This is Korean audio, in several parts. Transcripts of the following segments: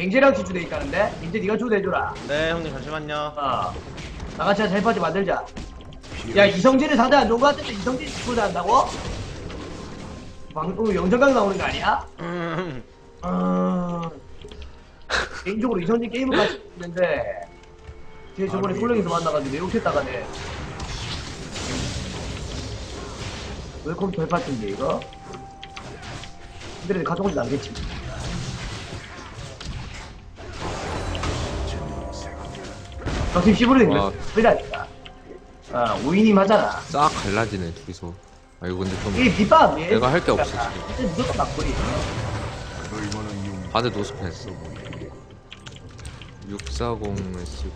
갱제랑 지주돼 있다는데? 갱제 니가 초대해줘라. 네 형님 잠시만요. 나같이 한 셀파지 만들자. 야 이성진이 상대 안 좋은 거 같은데 이성진이 초대한다고? 방금 영정강 나오는 거 아니야? 개인적으로 이성진 게임을 같이 했는데 걔 저번에 솔랭에서 만나가지고 내욕했다가네. 웰컴 돌파팀인데 이거? 근데 가져오진 않겠지. 저팀 시부르는 거 소리라니까. 5인임 하잖아. 싹 갈라지네 둘이서. 아 이거 근데 좀 이 빗밥 내가 할 게 없어 지금. 근데 무조건 막거리. 바드 노스패스 640을 쓰고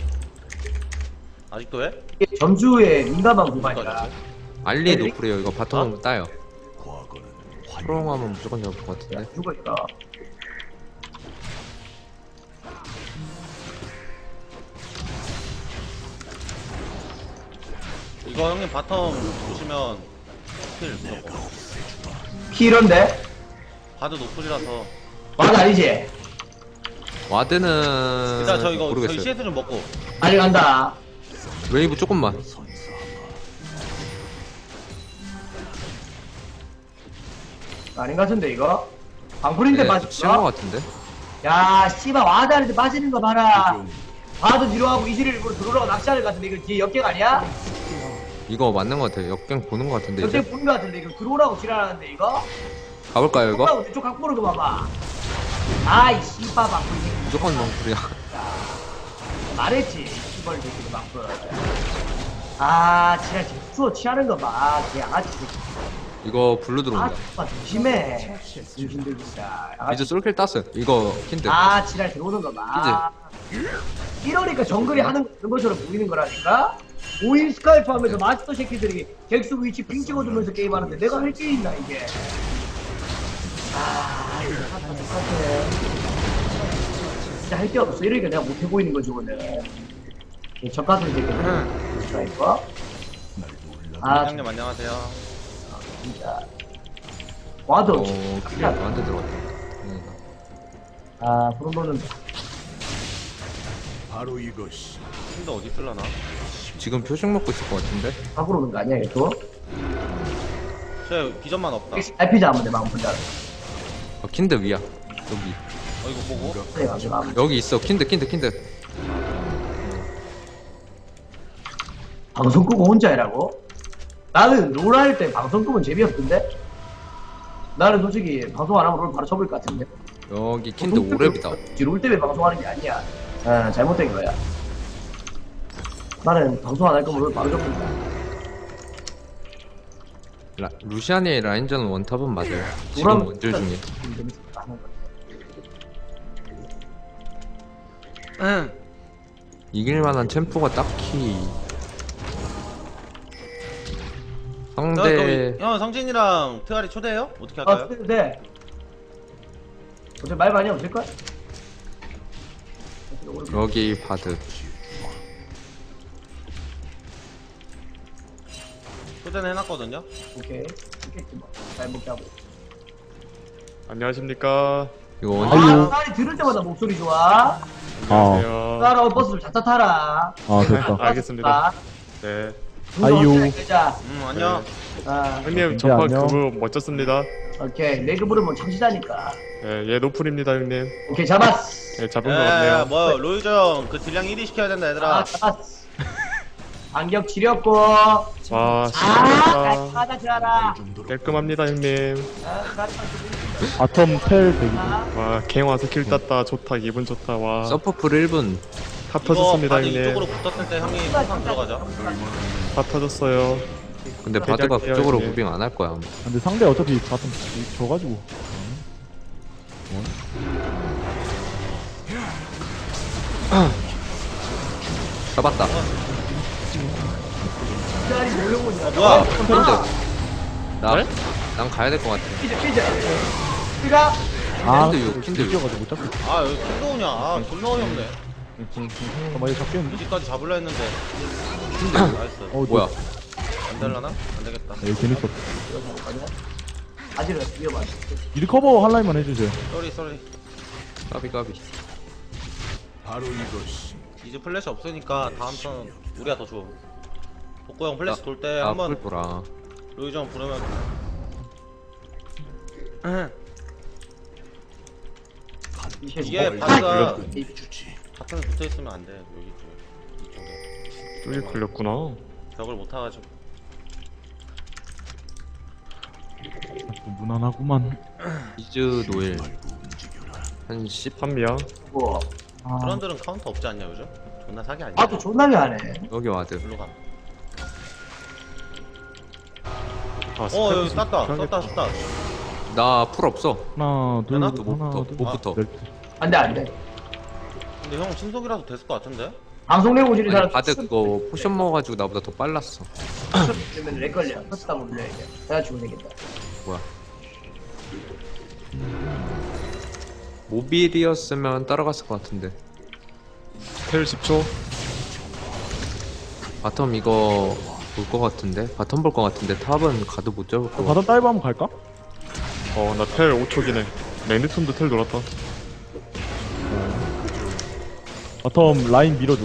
아직도 해? 이게 점주의 민감한 구간이라. 알리 노플이에요. 이거 바텀 따요. 프롬하면 무조건 잡을 것 같은데. 죽으니까. 이거 형님 바텀 보시면 스킬 무조건. 피런데? 바드 노플이라서. 맞아 아니지? 와드는 일단 저 이거 저희 모르겠어요. CS 좀 먹고. 아직 간다. 웨이브 조금만. 아닌 것 같은데 이거? 방풀인데 네, 빠졌어? 치는 것 같은데. 야 씨발 와다는데 빠지는 거 봐라. 봐도 뒤로 하고 이슬을 일부러 들어오라고 낚시하는 것 같은데 이거 뒤에 역객 아니야? 이거 맞는 것 같아요. 역갱 보는 것 같은데 역객 이제. 보는 것 같은데 이거 들어오라고 지랄하는데 이거? 가볼까요 이거? 들어오라고 이쪽 각 보는 거 봐봐. 아이 씨발 방풀. 무조건 멍풀이야. 말했지 씨발 새끼도 방풀. 아 지랄 지금 수어 취하는 거 봐. 걔 양아치 새끼. 이거 블루 아 들어온다. 씨발 조심해. 조심들 진짜. 이제 솔킬 땄어요. 이거 킨드. 아 지랄 들어오는 거 봐. 이러니까 정글이 하는 것처럼 보이는 거라니까? 5인 스카이프 하면서 마스터 새끼들이 잭스 위치 핑 찍어주면서 게임하는데 내가 할 게 있나 이게. 아 이거 사태. 진짜 할 게 없어. 이러니까 내가 못해 보이는 거지 오늘. 젖가슴 새끼들 스카이프. 아 형님 안녕하세요. 진짜 와도 그게 나한테 들어갔다. 아 그런 거는 바로 이것이 힘도 어디 쓸라나? 지금 표식 먹고 있을 것 같은데. 밖으로 오는 거 아니야 이거? 저 비전만 없다. RPG 하면 돼 방금 분자. 킨드 위야. 여기. 이거 보고. 그래 가지고 하면. 여기 있어. 킨드. 방송 끄고 혼자 해라고? 나는 롤 할 때 방송 끄면 재미없던데? 나는 솔직히 방송 안 하면 롤 바로 쳐볼 것 같은데? 여기 킨드 오랩이다. 롤 때문에 방송하는 게 아니야. 잘못된 거야. 나는 방송 안 할 거면 롤 바로 쳐본다. 루시안의 라인전 원탑은 맞아요. 지금 원딜 중에. 이길만한 챔프가 딱히 상대 형 성진이랑 트아리 초대해요? 어떻게 할까요? 네. 어차피 말 많이 없을걸? 여기 바드. 초대는 해놨거든요. 오케이. 있겠지 뭐. 잘 먹게 하고. 안녕하십니까. 이거 원딜 딸이 들을 때마다 목소리 좋아. 안녕하세요. 따라온 버스 좀 자차 타라. 됐다. 알겠습니다. 네. 아이유. 안녕. 형님 네, 전파 그거 멋졌습니다. 오케이. 내그 부르면 참시다니까. 네, 예 노플입니다 형님. 오케이 잡았어. 예 잡은 것 같네요. 뭐 로이저 형 그 딜량 1위 시켜야 된다 얘들아. 잡았어. 안경 지렸고. 와 시원하다. 가자 지라라. 깔끔합니다 형님. 바텀 텔 대기. 와갱 와서 킬 땄다. 좋다 기분 좋다. 와 서퍼풀 1분. 다 이거 터졌습니다 바드 형님. 이쪽으로 붙었을 때 형이 항상 들어가자. 다 터졌어요. 근데 바드가 대략 그쪽으로 해야지. 무빙 안 할 거야. 아마. 근데 상대 어차피 바텀 져가지고. 잡았다. 딸이 몰려오냐. 뭐야? 킨드. 난 가야 될 것 같아. 피자. 피자. 킨드 유. 뛰어가지고 못 잡겠다. 아 여기 킹도 오냐? 아 존나 어이없네. 잠깐만 이거 잡겠는데? 이지까지 잡으려 했는데. 나이스. 뭐야? 안 될라나? 안 되겠다. 네, 재밌었다. 아직은 위험하지. 미리 커버 한 라인만 해주세요. 쏘리. 까비. 이제 플래시 없으니까 다음 턴 우리가 더 좋아. 복구 형 플래시 돌 때 한번 풀 보라. 로이정 부르면 이게 바드가 바탕에 붙어 있으면 안 돼. 여기 이쪽에 쫄이 걸렸구나. 벽을 못 타가지고. 또 무난하구만. 이즈 노일. 한 10. 판미야. 뭐 아, 그런들은 카운터 없지 않냐 요즘? 존나 사기 아니야? 아또 존나게 하네. 여기 와드. 일로 가. 아, 여기 땄다. 나 풀 없어. 하나, 둘, 하나? 하나, 못부터, 둘, 못부터. 넷. 안돼 안돼. 근데 형 신속이라도 됐을 것 같은데? 방송 내고 지는 사람 아니, 바드 그거 포션 먹어가지고 나보다 더 빨랐어. 그러면 렉 걸려. 터치다 몰려 이제. 내가 죽으면 되겠다. 뭐야? 모빌이었으면 따라갔을 것 같은데. 텔 10초. 바텀 이거 볼 것 같은데? 바텀 볼 것 같은데 탑은 가도 못 잡을 것 같아. 바닥 다이브 한번 갈까? 나 텔 5초긴 해. 레드톤도 텔 돌았다. 바텀 라인 밀어줘.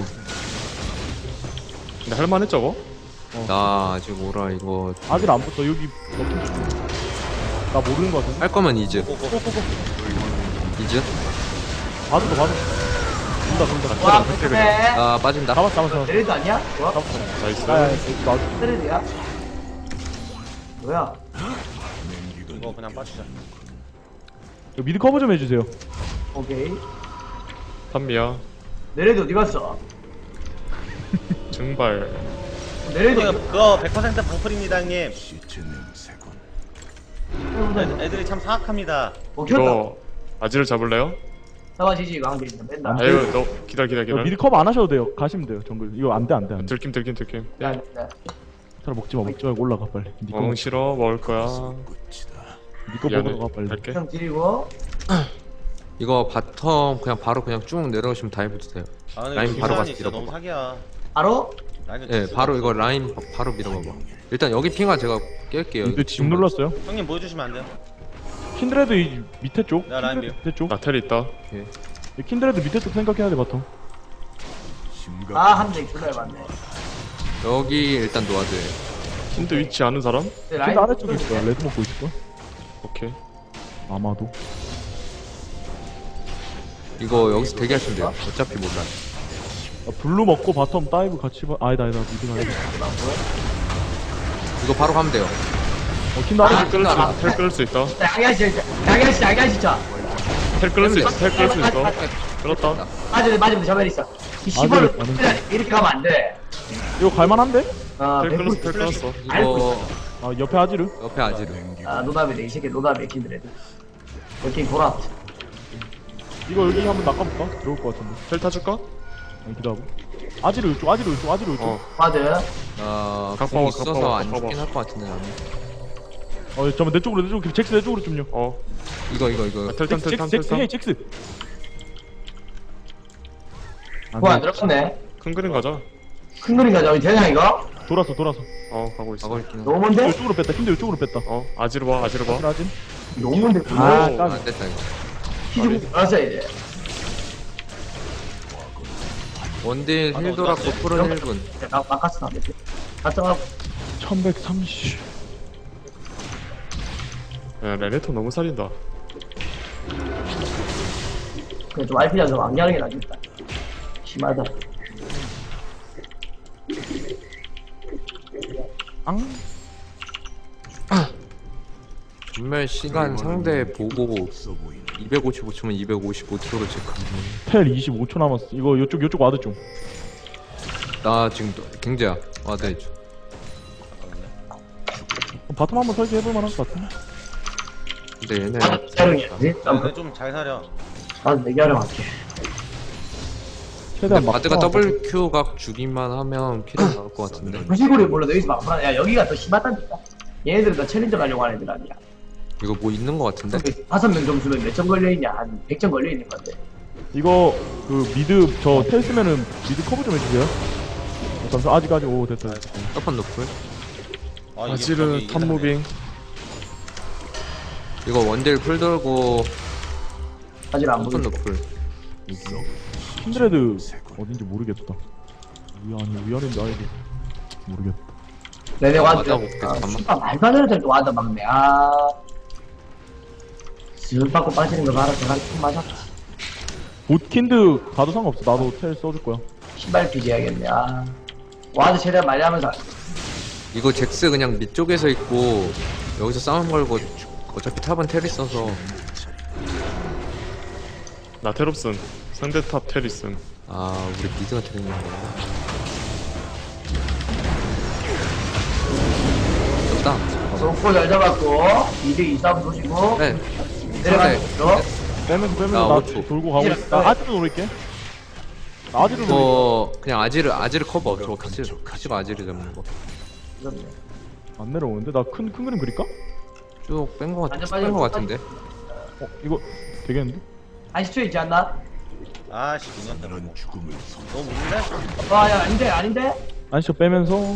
근데 할만해 저거? 나 아직 오라 이거 아직 안 붙어. 여기 버튼 좀. 나 모르는 거 같은데? 할 거면 이즈. 꼬꼬꼬. 이즈? 봐도 더 봐도. 돈다. 와 그래. 나 빠진다. 잡았어. 레드 아니야? 좋아. 나이스. 야, 나 레드야? 뭐야? 이거 그냥 빠지자. 미드 커버 좀 해주세요. 오케이. 판미야. 내 레드 어디 갔어? 증발. 내 레드 그거 100% 방풀입니다 형님. 애들이 참 사악합니다. 먹혔다. 이거 아지를 잡을래요? 나와지지 왕들이 맨날. 아유 너 기다려. 미드 커버 안 하셔도 돼요. 가시면 돼요. 정글. 이거 안 돼. 들킴. 야, 차라리 먹지 말고 올라가 빨리. 니꺼 엉 싫어 먹을 거야. 미안해. 먹으러 가 빨리. 갈게. 형 드리고. 이거 바텀 그냥 바로 그냥 쭉 내려오시면 다 해도 돼요. 아 근데 라인 바로 김수환이 가서 진짜 너무 밀어봐. 사기야. 바로? 라인은 예, 진짜 바로 진짜. 이거 라인 바로 밀어봐봐. 일단 여기 핑화 제가 깰게요. 미드 집 눌렀어요. 형님 보여주시면 안 돼요? 킨드레드 이 밑에 쪽. 야, 라인 킨드레드 밑에 쪽. 나 텔 있다. 이 킨드레드 밑에 쪽 생각해야 돼 바텀. 한대 존나 해봤네. 여기 일단 놓아줘요. 힌트 위치 아는 사람? 근데 킨드 아래쪽에 있을 거야. 레드 먹고 있을 거야. 오케이. 아마도. 이거 여기서 대기하시면 돼요. 어차피 몰라. 블루 먹고 바텀 다이브 같이 봐. 아니다 미드 가야 돼. 이거 바로 가면 돼요. 킨드 아래 쪽. 텔 끊을 수 있다. 양야씨 진짜. 텔 끊을 수 있어. 끊었다. 맞으면 저면 있어. 이 시벌로 맞으면 이렇게 가면 안 돼. 이거 갈만한데? 텔 끊었어. 이거 아 옆에 아지르. 옆에 아지르. 노답이네 이 새끼 노답이야 킨드레드. 여기 돌아. 이거 여기 한번 낚아볼까? 들어올 것 같은데. 텔 타줄까? 아니 기다려. 아지르 이쪽. 바드. 공 가까워, 있어서 가까워, 안 가까워. 죽긴 할 것 같은데 나는. 잠깐만 내 쪽으로 잭스 내 쪽으로 좀요. 이거 텔탐. 헤이 잭스. 뭐안 들어갔네. 큰 그림 가자. 큰 그림 가자. 되냐 이거? 돌아서. 가고 있어. 가고 있긴 해. 너무 먼데? 이쪽으로 뺐다. 킨드 이쪽으로 뺐다. 아지로 봐. 아지르. 너무 먼데. 아 오. 까비. 안 됐다 이거. 키즈북 알았어야 돼. 원딜 힐 돌았고 풀은 1분. 나 바꿨어. 갔다 1130. 야 레네토 너무 살린다. 그냥 좀 RP랑 좀 안경하는 게 낫겠다. 심하다. 앙. 전멸 시간 상대 보고 255초면 255초로 체크. 텔 25초 남았어. 이거 요쪽 와드 좀. 나 지금 경제야. 와드 해줘. 바텀 한번 설계해볼 만한 것 같은데. 근데 얘네 촬영이야지? 근데 좀 잘 사려. 내기하려 할게. 최대한 근데 바드가 더블 Q 각 주기만 하면 킬이 나올 것 같은데. 무시골이 몰라 너희서 막 불안해. 야 여기가 더 심하다니까. 얘네들은 다 챌린저 가려고 하는 애들 아니야. 이거 뭐 있는 것 같은데? 5명 점수면 몇 점 걸려있냐? 한 100점 걸려있는 건데. 이거 그 미드 저 텔 쓰면은 미드 커버 좀 해주세요. 잠깐 아직 오 됐다. 떡판 노플. 아지르 탑 무빙. 이거 원딜 풀 돌고 아직 안 떡판 보여. 노플. 킨드레드 어딘지 모르겠다. 위아래인지 아래인지 모르겠다. 네네 와드. 맞아, 볼게, 잠깐만. 씨발 말도 안 되는 소리 와드 막네. 쓱 받고 빠지는 거 봐라. 제가 좀 맞았다. 봇킨드 가도 상관없어. 나도 텔 써줄 거야. 신발 비교해야겠네. 와드 최대한 많이 하면서. 이거 잭스 그냥 밑쪽에서 있고 여기서 싸움 걸고 어차피 탑은 텔 있어서. 나 텔 없음. 상대 탑 텔 있음. 아, 우리 미드가 텔 있는 거구나. 좋다. 좋고 잘 잡았고 2대 2 싸움 보시고 네. 내려가는 네. 거죠. 빼면서 나 나 5초. 돌고 가고 이제 있어. 나 아지르 노릴게. 나 아지르 노릴게. 그냥 아지르 커버. 저 키즈가 아지르 잡는 거. 안 내려오는데? 나 큰 그림 그릴까? 쭉 뺀 거 완전 빠져. 같은데. 이거 되겠는데? 한 10초 있지 않나? 아씨 그냥 너무 무는데? 야 아닌데? 아니 저 빼면서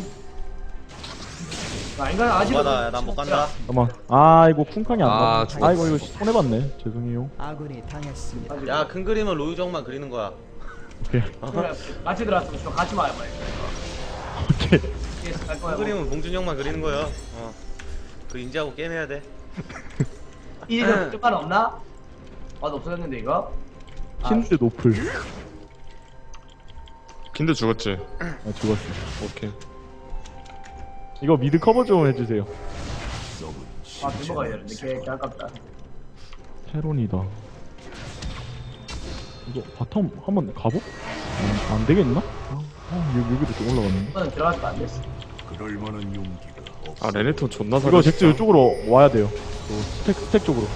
아닌가? 아직 못가다 난 못 간다. 잠깐만. 이거 쿵칸이 안 아, 나. 죽었어. 이거 손해봤네. 죄송해요. 아군이 당했습니다. 야 큰 그림은 로유정만 그리는 거야. 오케이. 그래, 같이 들어왔으면 좀 같이 와요. 오케이. 갈 거야. 큰 그림은 봉준이 형만 그리는 거야. 그 인지하고 게임 해야 돼. 이제 쪽간 없나? 없어졌는데 이거? 킨드 노플. 킨드 죽었지? 죽었어. 오케이. 이거 미드 커버 좀 해주세요. 넘어가야 되는데 개 아깝다. 테론이다. 이거 바텀 한번 가보? 안 되겠나? 여기도 좀 올라갔는데. 이거는 들어가지도 안 됐어. 아 레네톤 존나 이거 잘했어. 잭스 이쪽으로 와야 돼요. 스택 쪽으로.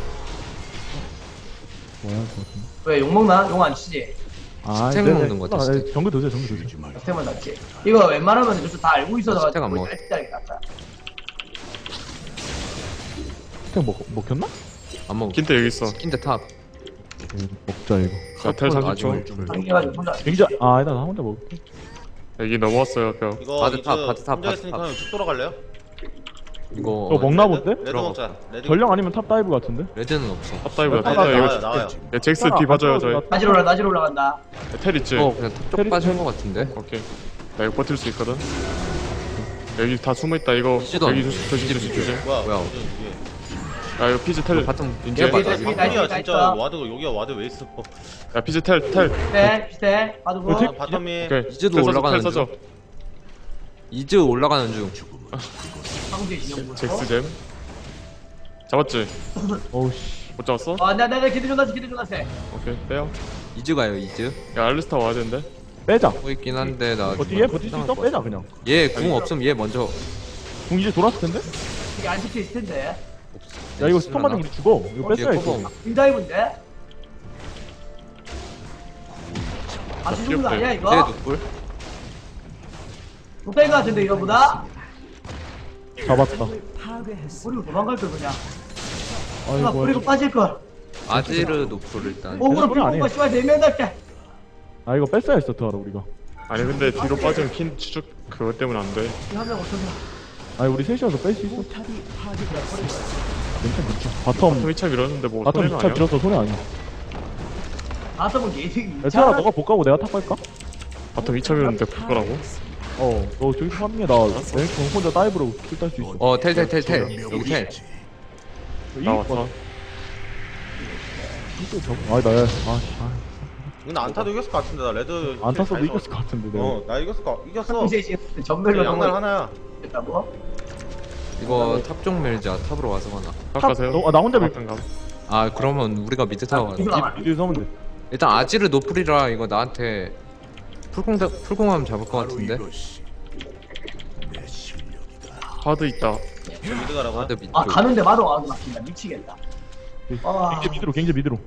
와야 할 것 같은데. 왜 욕먹나? 용 안 치지? 스택 네네. 먹는 거 같아, 스택. 정글 드세요, 정글 드세요. 스택만 낫지. 이거 웬만하면 저쪽 다 알고 있어서 스택 안 먹어. 짤짤하게 낫다. 스택 먹혔나? 안 먹어. 킨드 여기 있어. 스킨드 탑. 먹자 이거. 나텔 아직 30초. 당겨가지고 혼자. 굉장히 아니다 나 혼자 먹을게. 여기 넘어왔어요 벽. 이거 바드 탑, 바드 탑, 혼자 바드 있으니까 탑. 그냥 쭉 돌아갈래요? 이거 저 먹나 본데? 레드 먹자. 레드. 전령 아니면 탑 다이브 같은데? 레드는 없어. 탑다이브다. 나와요, 탑다이브. 나와요 나와요. 야 잭스 뒤 봐줘요 저희. 낮으로 올라간다. 텔 있지? 그냥 탑쪽 빠진 거 같은데. 오케이. 나 이거 버틸 수 있거든. 여기 다 숨어 있다. 이거 피지도 여기 안 조심. 뭐야? 뭐야. 야 이거 피지 텔. 바텀 이제 깨봐. 피지, 피지. 아니야 다 진짜 있다. 와드가 여기가 와드 왜 있어? 야 피지 텔. 비슷해. 봐두고. 어떻게? 바텀이 오케이. 이즈도 텔 써줘, 올라가는 텔 써줘. 중. 이즈 올라가는 중. 상대 진영. 잭스 잼. 잡았지? 어우씨. 못 잡았어? 내가 기대 좀 하세. 오케이 빼요. 이즈 가요, 이즈. 야 알리스타 와야 되는데. 빼자. 하고 있긴 한데 나. 버틸 수 있어? 빼자 그냥. 얘궁 없음 얘 먼저. 궁 이제 돌았을 텐데? 이게 안 찍혀 있을 텐데. 야 이거 스턴 맞으면 우리 죽어. 이거 뺐어야 얘 했어. 커버. 빙다이브인데? 아주 좋은 거 아니야 쟤 이거? 노플. 못뺀거 같은데 이거보다? 잡았다. 파괴했습니다. 버리고 도망갈 걸 그냥. 누가 아이고. 버리고 빠질 걸. 아지르 노플 일단. 오그로 그건 아니에요. 비고가 씨발 4명 달게. 이거 뺐어야 했어 트하라 우리가. 아니 근데 뒤로 빠지면 킨 추적 그것 때문에 안 돼. 한명 어쩌냐. 우리 셋이어서 뺄 수 있어. 포탑이 파괴되었습니다. 괜찮. 좀 바텀 위차 밀었는데 뭐 바텀 손해가 2차 아니야? 밀었어 손해 아니야. 아서면 게이득이. 트하라 너가 복 가고 내가 탑 갈까? 바텀 위차 밀었는데 볼거라고? 너 저기서 하는 게나 랭크 혼자 다이브로 킬 딸 수 있어. 텔. 여기 텔. 나왔어. 이건 안타도 이겼을 것 같은데 나 레드. 안 탔어도 이겼을 것 같은데 내가. 나 이겼어. 이제 전멸로 양날 하나야. 했다고? 이거 탑 쪽 밀자. 탑으로 와서 가나. 가세요. 나 혼자 밀. 가. 아 그러면 우리가 미드 타워 가자. 미드에서 하면 돼. 일단 아지르 노플이라 이거 나한테 풀공하면 잡을 것 같은데. 하드 있다. 미드 가라고. 아드 밑. 가는데 마도 와도 막힌다. 미치겠다. 경제 미드로.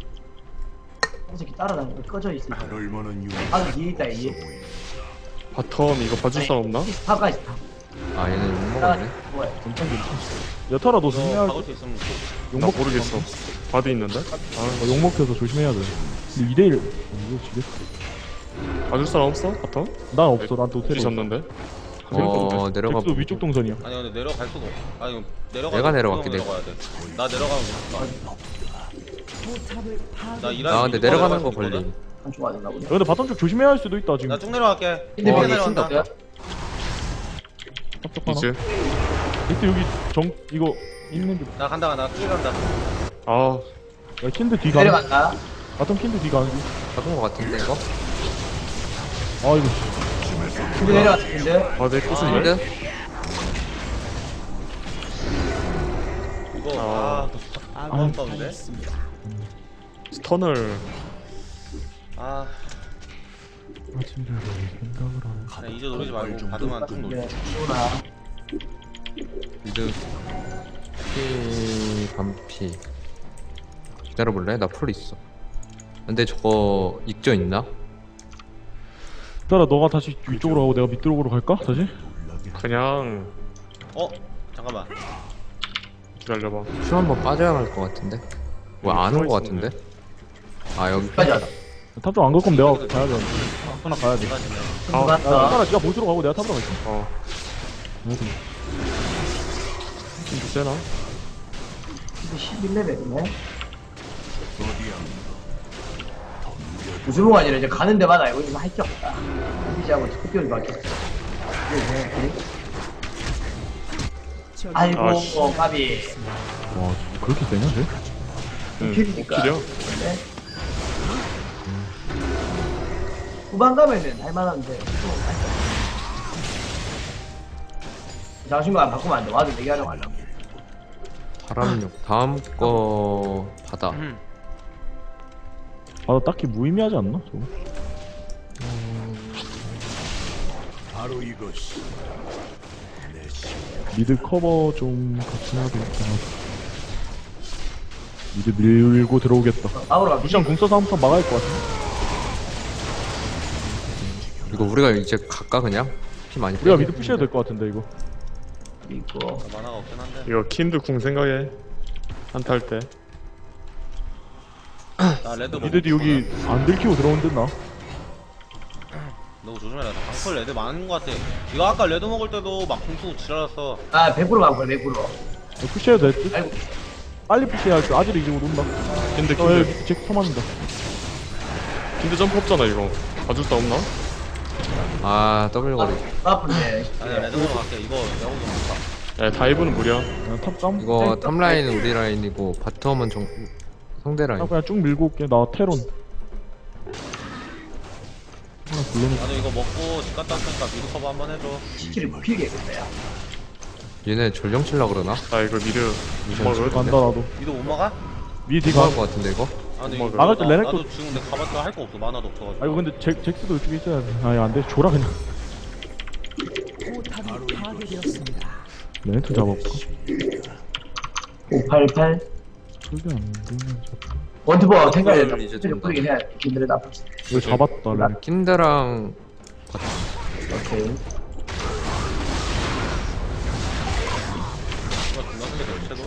이 새끼 따라다니고 꺼져 있어. 뒤에 있다 이. 바텀 이거 봐줄 사람 없나? 탑까지 다. 아 얘는 못 먹었네. 뭐야? 여타라 너 조심해야 박을 수 있으면. 나 모르겠어. 바드 있는데? 욕 먹혀서 조심해야 돼. 근데 2대1 이거 지겠어. 봐줄 사람 없어? 바텀? 난 없어. 난또 테리. 뒤졌는데? 내려가. 잭스 위쪽 동선이야. 아니 근데 내려갈 수가 없어. 아니 내려가. 내가 내려갈게, 내려가야 돼. 나 내려가면 못 가. 포탑을 나 파괴. 일하는 아 근데 이거 내려가는 거 내려갈 수 걸림. 있거든? 한쪽 맞았나 보네. 야, 근데 바텀 쪽 조심해야 할 수도 있다 지금. 나 쭉 내려갈게. 근데 쭉 왜 내려간다. 튄다? 탑쪽 하나. 이제 이때 여기 이거 있는 게. 나 간다. 나쭉 간다. 아 야 킨드 뒤 가는. 내려간다. 바텀 킨드 뒤 가는 중. 잡은 거 같은데 이거? 아 이거. 근데 내려갔는데. 내 끝은 왜? 힌드? 이거 너무 아까운데. 당했습니다. 스턴을 아 아침대로 생각을 하는. 그냥 이제 노리지 말고 받으면 쭉 놀자. 네, 시원하. 빌드 피 반피 기다려볼래? 나 풀 있어. 근데 저거 익저 있나? 따라 너가 다시 위쪽으로 가고 내가 밑쪽으로 갈까? 다시? 그냥 잠깐만. 기다려봐. 큐 한번 빠져야 할 것 같은데? 뭐 안 온 것 같은데? 아 여기 빠져. 탑쪽 안 갈 거면 내가 가야 돼. 하나 가야 돼. 내가 지금 아, 야, 갔다. 따라 네가 보스로 가고 내가 탑으로 갈게. 킨드 세나? 11레벨이네. 우주봉 아니라 이제 가는 데마다 이거 좀 할 게 없다. 이제하고 특별히 바뀌었어. 아이고, 아, 씨. 까비. 와 그렇게 세냐 쟤? 응. 오킬이니까. 오킬이야? 네. 후반 가면은 할만한데. 자신감 안 바꾸면 안 돼. 와도 얘기하려고 하려고. 바람육 다음 거 바다. 아, 나 딱히 무의미하지 않나? 저거? 미드 커버 좀 같이 해야 되겠다. 미드 밀고 들어오겠다. 앞으로 가. 루시안 궁 써서 한번 막아야 할 것 같아. 이거 우리가 이제 갈까 그냥? 피 많이 우리가 빼긴 미드 푸시해야 될 것 같은데 이거. 있고. 나 만화가 없긴 한데. 이거 킨드 궁 생각해. 한타 할 때. 나 레드 미드디 여기 안 들키고 들어온 듯 나. 너 조심해라. 방풀 레드 많은 거 같아. 이거 아까 레드 먹을 때도 막 공수 지랄았어. 아, 100% 가고 100%. 이거 푸시해도 될 듯? 아이고, 빨리 푸시해야 할 듯. 아지를 이제 온다. 킨드 어, 야, 킨드 잭 터맞는다. 킨드 점프 없잖아 이거. 봐줄 수 없나? 아 더블거리. 아픈데. 아니 레드 먹으러 갈게. 이거 야구 좀 볼까? 야 다이브는 무리야. 야, 탑 깜. 이거 탑라인은 우리 라인이고 바텀은 상대 라인. 나 그냥 쭉 밀고 올게. 나 테론. 하나 불러놓고. 나도 이거 먹고 집 갔다 왔으니까 미드 커버 한번 해줘. 시키를 못 피겠다, 야. 얘네 전령 칠라 그러나? 나 이거 미드 먹을. 간다 나도. 미드 못 막아? 미드 이거 가. 할것 같은데 이거? 아 근데 막을. 이거 막을 때 레넥도- 나도 지금 내가 가봤자 할 거 없어. 만화도 없어가지고. 아 이거 근데 잭스도 이쪽에 있어야 돼. 아야 안돼. 줘라 그냥. 포탑이 파괴되었습니다. 레네트 잡아볼까? 588. 저게 안 되면 잡고. 원투버 생각해. 이제 이제 된다. 뿌리긴 해야 돼. 김들에다. 이거 잡았다 레네트. 킨드랑 오케이. 이거 존나 생겨 대체도.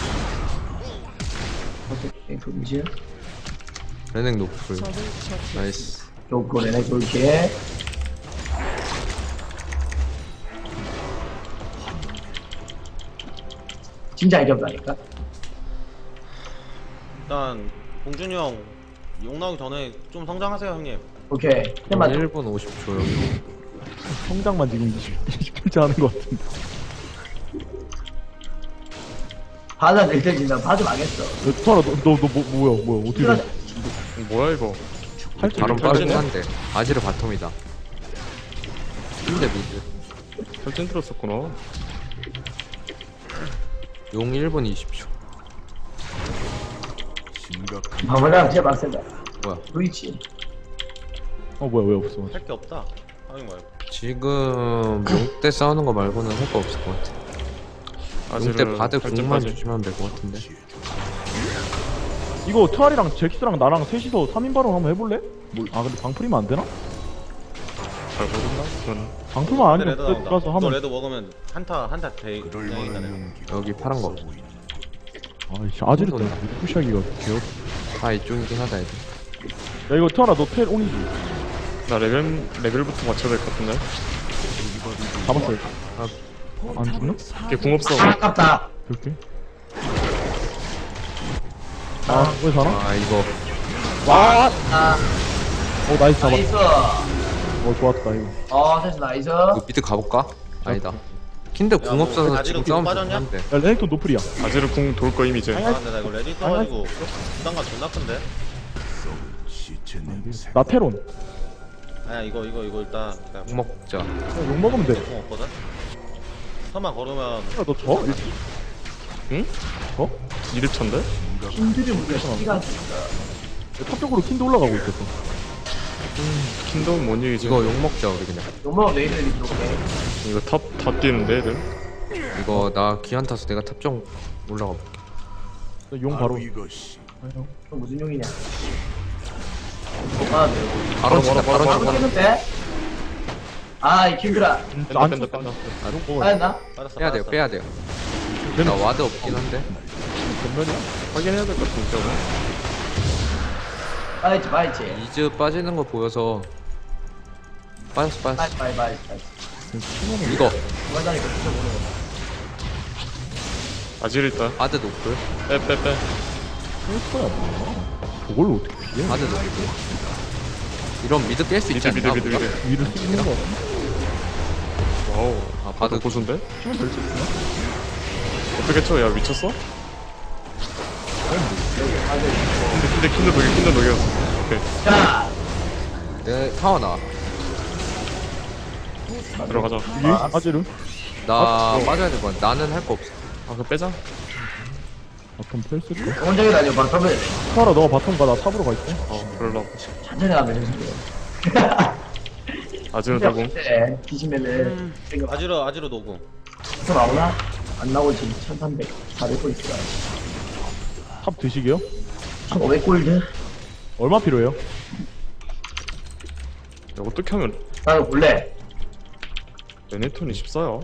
오케이, 금지. 레넥 노플. 적을 처치. 나이스. 좋고, 내내 좋게. 진짜 이겼다니까. 일단 봉준이 형 용 나오기 전에 좀 성장하세요 형님. 오케이. 해만 1분 50초 여기. 성장만 지금 20분째 하는 것 같은데. 바다 낼 때 진짜 바드 망했어. 토아라 너 뭐야 어떻게 돼? 뭐야 이거? 할줄 바로 빠르긴 탈진이야? 한데 아지르 바텀이다. 킨드 미드. 설정 들었었구나. 용 1분 20초. 방어랑 진짜 빡세다. 뭐야? 브이치. 뭐야 왜 없어? 할 게 없다. 하는 거야. 지금 용 때 싸우는 거 말고는 할 거 없을 것 같아. 용 때 바드 궁만 주시면 될 것 같은데. 이거 트알이랑 잭스랑 나랑 셋이서 3인 발언 한번 해볼래? 아 근데 방풀이면 안 되나? 잘 모른다. 그건 방풀만 아니면 레드 나온다. 가서 너 하면. 레드 먹으면 한타 대행이다 내가. 여기 파란 거. 아이씨 아지르 때문에 푸시하기가 귀엽. 아 이쪽이긴 하다 애들. 야 이거 트알아 너 텔 온이지? 나 레벨부터 맞춰야 될 것 같은데. 잡았어요. 안 죽나? 걔 궁 없어. 아깝다. 그렇게. 왜 살아? 아 이거 아, 나이스 잡았. 나이스. 좋았다 이거. 됐어, 나이스. 이거 미드 가볼까? 아니다. 킨드 궁 뭐, 없어서 아지르 지금 뒤로 싸움 빠졌냐? 한데. 야 레넥톤 노플이야. 아지르 궁 돌 거임 이제. 아 근데 나 이거 레디 써가지고 부담감 존나 큰데? 나 테론. 아야 이거 일단 그냥 궁 먹자. 욕 먹으면 돼. 공 없거든? 터만 걸으면 야, 너 져? 응? 져? 이득찬데? 힘들이 우리가 시간 쓰니까. 탑 쪽으로 킨도 올라가고 있었어. 킹덤은 뭔 얘기지? 이거 욕 먹자 우리 그냥. 욕먹으면 내일들이 들어오네. 이거 탑 뛰는데 애들? 이거 나 기한 타서 내가 탑정 올라가 볼게. 용 바로. 그럼 무슨 용이냐? 네. 바로 치다 바로 바로 치다. 깼는데? 이 킹드라. 뺀다. 빠졌나? 빠졌어 빼야 돼요 빼야 돼요. 나 와드 없긴 한데. 전면이야? 확인해야 될 것 같은데 저거. 빠졌지. 이즈 빠지는 거 보여서 빠졌어. 빠졌지. 이거 중간다니까 진짜 모르는 거. 아지르 있다. 와드 노플. 빼. 헬스야 뭐야? 저걸로 어떻게 피해? 와드 노플. 이런 미드 깰 수 있지 미드. 않나? 우리가? 위를 쓰는 거 같아. 와우. 아 바드 고수인데? 치면 될 수 있나? 어떻게 쳐? 야 미쳤어? 근데 킨드 녹여. 오케이. 자, 내 타워 나. 들어가자. 이게 아지르? 나 빠져야 될 거야. 나는 할 거 없어. 그거 빼자. 바텀 펠 쓸까? 원정이 다녀 바텀을 카라 너가 바텀 가나 탑으로 갈게. 그럴라. 천천히 가면 되지. 아지르 들고. 뒤지면은 생각 아지르 노궁 또 나오나? 안 나오지. 1300, 400골 있어. 탑 드시게요? 1500골드? 얼마 필요해요? 야, 어떻게 하면 나는 볼래. 레네톤이 14야?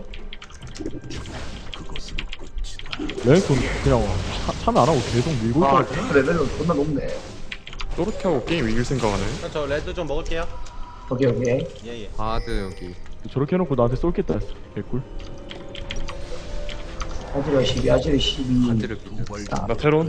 레넥톤 그냥 참여 안 하고 계속 밀고 있다가 레벨은 존나 높네. 저렇게 하고 게임 이길 생각하네. 저 레드 좀 먹을게요 오케이. 예예 바드 여기. 저렇게 해놓고 나한테 쏠겠다 했어. 개꿀. 아지르 12. 바드를 끼고. 나 테론.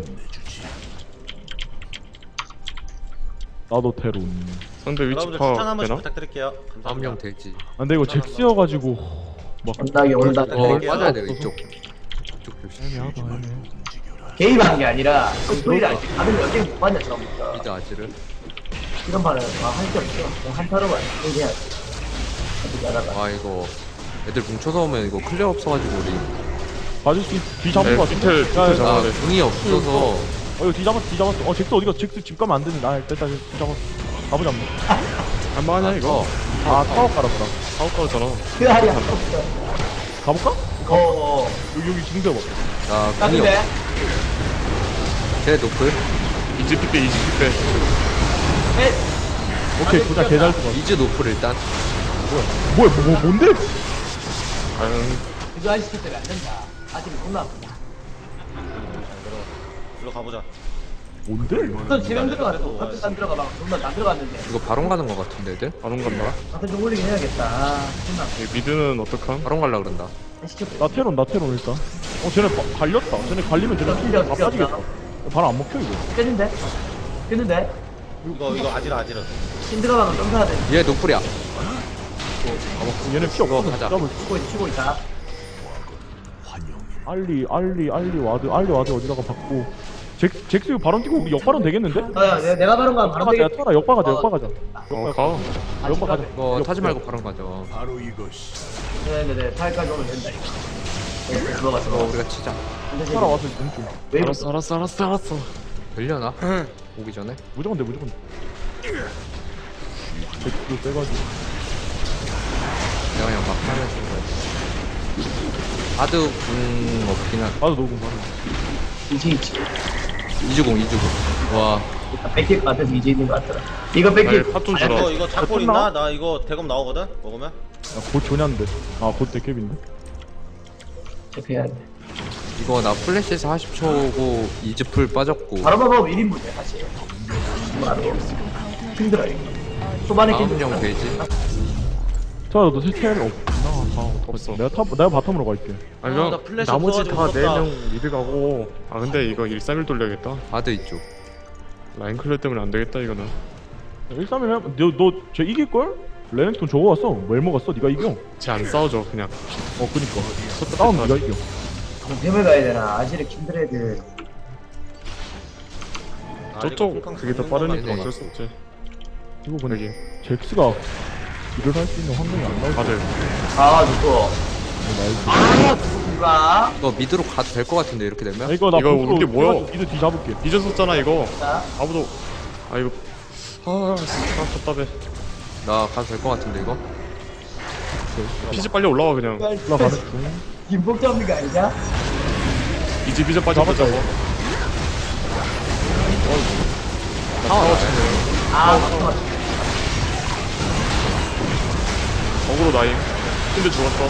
나도 테론. 상대 위치 여러분들 추천 한 파악 번씩 되나? 부탁드릴게요 다음 감사합니다 명 되지. 아, 근데 이거 잭스여가지고 막 온다게 온다. 빠져야 돼요 이쪽. 이쪽 조심. 애매하다 애매해. 개입한 게 아니라 소리를 알지. 다들 여기 못 봤냐 처음부터. 미드 아지를. 이런 말은 할 게 없어. 그냥 한타로만 얘기해야지. 어떻게 알아봐. 와 이거 애들 뭉쳐서 오면 이거 클리어 없어가지고 우리. 봐줄 수 뒤 잡은 네, 거 같은데? 피텔 야, 야, 잡아야 아 돼. 궁이 없어서. 이거 뒤 잡았어. 잭스 어디가? 잭스 집 가면 안 되는데. 됐다, 뒤 잡았어. 가보자, 한번. 할만하냐 이거? 타워 깔았다. 사업 가잖아. 그 할이 없어. 가볼까? 여기 지금 잡아. 나 나 궁이 근데 없어. 쟤 노플. 이지피 빼. 오케이, 보자, 개잘 들어. 이즈 노플 일단. 뭐야, 뭔데? 아유, 그거 한 시킬 때문에 안 된다. 아직 존나 아프다. 일로 가보자 뭔데? 또 지금 들어갔어. 같은 단 들어가 막 존나 안 들어갔는데. 이거 바론 가는 거 같은데 애들? 바론 간다. 같은 좀 올리긴 해야겠다. 존나 이 미드는 어떡함? 바론 갈라 그런다. 시켰대. 나 테론 일단. 쟤네 갈렸다. 쟤네 갈리면 쟤네 튕겨, 다 튕겨, 빠지겠다. 바로 안 먹혀, 이거. 깼는데? 이거 아지르 힘들어가면 좀 사야 돼. 얘 노플이야. 얘네 피 없어. 가자. 잡을. 치고 있다. 알리 와드 어디다가 받고. 잭스 이거 바론 뛰고 우리 역바론 되겠는데? 내가 바로 가면 바로 되겠. 타라 역바가자. 가. 역바가자. 이거 타지 말고 바론 가자. 네네네. 타일까지 오면 된다 이거. 네, 들어가. 이거 우리가 치자. 타라 와서 왼쪽. 왜 알았어. 되려나? 오기 전에? 무조건 돼. 잭스 빼가지고. 내가 그냥 막 하면 좋은 거야. 바드 궁 없긴 한. 나도 녹음 바로. 이주공. 와. 100개 같아서 이제 있는 것 같더라. 이거 100개. 탑좀 주라. 이거 작골 있나? 나 이거 대검 나오거든? 먹으면? 곧 조냐인데. 곧 데캡인데. 체크해야 돼. 이거 나 플래시에서 40초고 이즈풀 빠졌고. 바로 1인분이야 사실. 바로 힘들어 이거. 초반에 다음 힘들어. 형 되지? 너도 스텔 없나? 없어. 내가 바텀으로 갈게. 아니 나 그냥 플래시 나머지 없어가지고 다 무섭다. 4명 미드 가고. 근데 이거 131 돌려야겠다. 바드 이쪽. 라인 클레 때문에 안 되겠다 이거는. 1-3-1 너쟤 이길걸? 레넥톤 저거 왔어. 뭘 먹었어? 네가 이겨. 쟤안 싸우죠 그냥. 그니까 싸움 네가 이겨. 동tem을 가야 되나? 아시르 킨드레드. 저쪽 그게 더 빠르니까 네. 어쩔 수 없지. 이거 근데 여기 잭스가 일을 할 수 있는 환경이 안 나오지. 맞아요. 아 누구? 아 누구가? 이거 미드로 가도 될 것 같은데 이렇게 되면? 이거 나 이거 보스로 우리 뭐야? 해가지고 미드 뒤 잡을게. 잊었었잖아 이거. 자, 아무도 아 이거 답답해. 나 가도 될 것 같은데 이거? 피지 빨리 올라와 그냥. 올라가는 중. 김복점이가 아니냐? 이제 피지 빨리 잡아. 아 잠깐만. 어그로 나임. 근데 죽었어.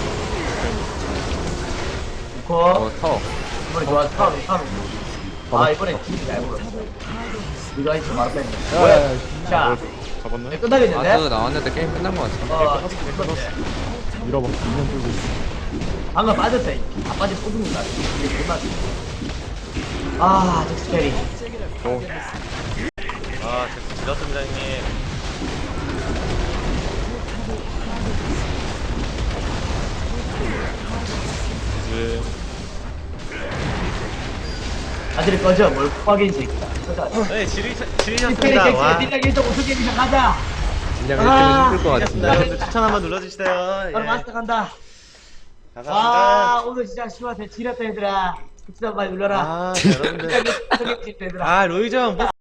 거 타워. 이번에 좋았어. 아 이번에 팀이 잘 불었어. 네가 했지 말았다. 야야야. 자, 잡았네. 네, 끝나겠는데? 아드 나왔는데 게임 끝난 것 같아. 밀어봐. 2년 들고. 방금 빠졌다. 안 빠져 뽑는다. 이게 끝났어. 아, 잭스 캐리. 아 잭스 지렸습니다 형님. 이제 아들이 꺼져. 뭘 빡인 새끼다. 꺼져. 네 캐리 지리셨습니다. 잭스 와. 딜량 1등 우승 게임이나 가자. 그냥 아, 1등은 힘들 것 네, 같은데. 여러분들 추천 한번 눌러주세요. 바로 예. 마스터 간다. 감사합니다. 와, 오늘 진짜 시원해. 지렸다 얘들아. 추천 많이 눌러라. 아 여러분들. 얘들아. 아 로이정